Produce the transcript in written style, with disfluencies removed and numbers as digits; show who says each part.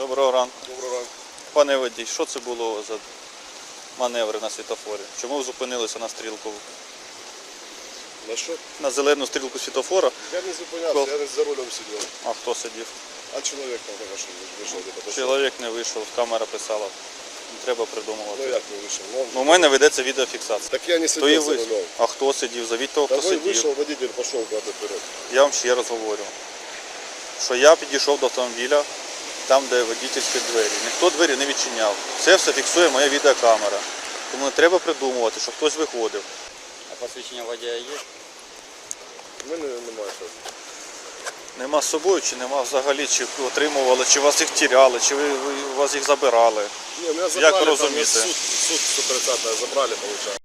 Speaker 1: Доброго ранку.
Speaker 2: Доброго ранку.
Speaker 1: Пане водій, що це було за маневри на світофорі? Чому ви зупинилися на стрілку?
Speaker 2: На що?
Speaker 1: На зелену стрілку світофора?
Speaker 2: Я не зупинявся, я не за рулем сидів.
Speaker 1: А хто сидів?
Speaker 2: А чоловік там така, що вийшов де-то.
Speaker 1: Чоловік не вийшов, камера писала. Не треба придумувати.
Speaker 2: Ну як не вийшов?
Speaker 1: У мене ведеться відеофіксація.
Speaker 2: Так я не
Speaker 1: То і
Speaker 2: сидів за
Speaker 1: ви.
Speaker 2: рулем.
Speaker 1: А хто сидів? Завіть того,
Speaker 2: Та
Speaker 1: хто
Speaker 2: ви
Speaker 1: сидів.
Speaker 2: вийшов, водитель пішов куди вперед.
Speaker 1: Я вам ще раз говорю, що я підійшов до автомобіля, там, де водительські двері. Ніхто двері не відчиняв. Це все фіксує моя відеокамера. Тому не треба придумувати, що хтось виходив.
Speaker 3: А посвідчення водія є?
Speaker 2: У мене немає що.
Speaker 1: Нема з собою, чи нема взагалі, чи отримували, чи вас їх тіряли, чи у вас їх забирали.
Speaker 2: Ні, мене забрали,
Speaker 1: ви
Speaker 2: там
Speaker 1: розумієте?
Speaker 2: суд 130 забрали, виходить.